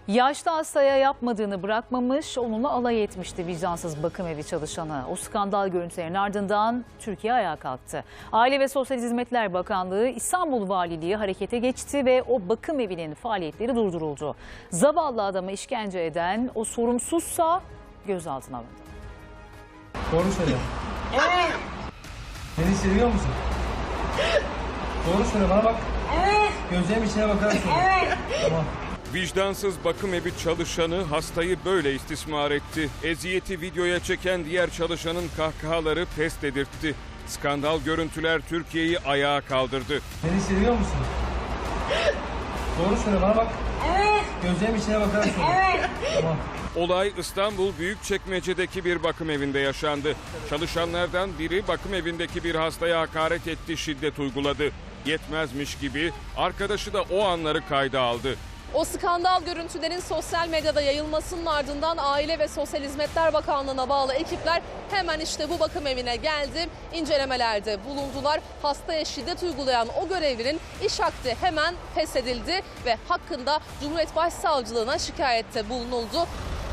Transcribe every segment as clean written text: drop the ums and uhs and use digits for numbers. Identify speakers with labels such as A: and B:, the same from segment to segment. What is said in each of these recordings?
A: Yaşlı hastaya yapmadığını bırakmamış, onunla alay etmişti vicdansız bakım evi çalışanı. O skandal görüntülerin ardından Türkiye ayağa kalktı. Aile ve Sosyal Hizmetler Bakanlığı, İstanbul Valiliği harekete geçti ve o bakım evinin faaliyetleri durduruldu. Zavallı adamı işkence eden o sorumsuzsa gözaltına alındı.
B: Doğru söyle.
C: Evet.
B: Beni seviyor musun? Doğru söyle, bana bak.
C: Evet.
B: Gözlerimin içine bakarak söyle.
C: Evet.
B: Tamam.
D: Vicdansız bakım evi çalışanı hastayı böyle istismar etti. Eziyeti videoya çeken diğer çalışanın kahkahaları pes dedirtti. Skandal görüntüler Türkiye'yi ayağa kaldırdı.
B: Beni seviyor musun? Doğru söyle, bana bak.
C: Evet.
B: Gözlerimin içine bakarak söyle.
C: Evet.
B: Tamam.
D: Olay İstanbul Büyükçekmece'deki bir bakım evinde yaşandı. Çalışanlardan biri bakım evindeki bir hastaya hakaret etti, şiddet uyguladı. Yetmezmiş gibi arkadaşı da o anları kayda aldı.
E: O skandal görüntülerin sosyal medyada yayılmasının ardından Aile ve Sosyal Hizmetler Bakanlığı'na bağlı ekipler hemen işte bu bakım evine geldi. İncelemelerde bulundular. Hastaya şiddet uygulayan o görevlinin iş akdi hemen feshedildi ve hakkında Cumhuriyet Başsavcılığına şikayette bulunuldu.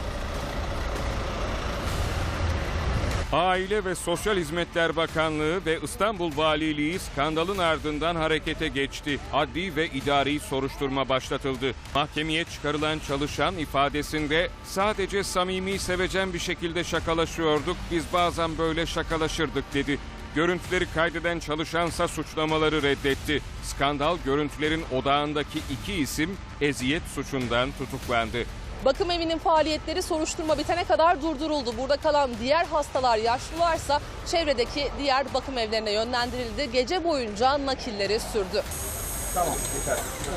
D: Aile ve Sosyal Hizmetler Bakanlığı ve İstanbul Valiliği skandalın ardından harekete geçti. Adli ve idari soruşturma başlatıldı. Mahkemeye çıkarılan çalışan ifadesinde sadece samimi, sevecen bir şekilde şakalaşıyorduk, biz bazen böyle şakalaşırdık dedi. Görüntüleri kaydeden çalışansa suçlamaları reddetti. Skandal görüntülerin odağındaki iki isim eziyet suçundan tutuklandı.
E: Bakım evinin faaliyetleri soruşturma bitene kadar durduruldu. Burada kalan diğer hastalar, yaşlılarsa çevredeki diğer bakım evlerine yönlendirildi. Gece boyunca nakilleri sürdü.
B: Tamam, yeter.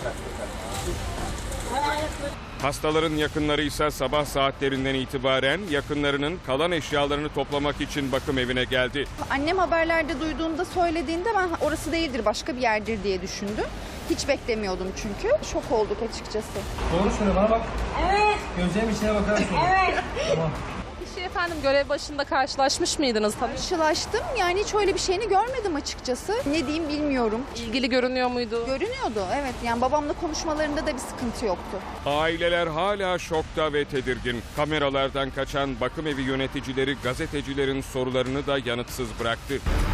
D: Hastaların yakınları ise sabah saatlerinden itibaren yakınlarının kalan eşyalarını toplamak için bakım evine geldi.
F: Annem haberlerde duyduğunda söylediğinde ben orası değildir, başka bir yerdir diye düşündüm. Hiç beklemiyordum çünkü. Şok olduk açıkçası.
B: Doğru söyle, bana bak.
C: Evet.
B: Gözlerimin içine bakarak söyle.
C: Evet.
B: Tamam.
E: Kişi efendim görev başında karşılaşmış mıydınız?
F: Karşılaştım, yani hiç öyle bir şeyini görmedim açıkçası. Ne diyeyim bilmiyorum.
E: İlgili görünüyor muydu?
F: Görünüyordu, evet. Yani babamla konuşmalarında da bir sıkıntı yoktu.
D: Aileler hala şokta ve tedirgin. Kameralardan kaçan bakım evi yöneticileri gazetecilerin sorularını da yanıtsız bıraktı.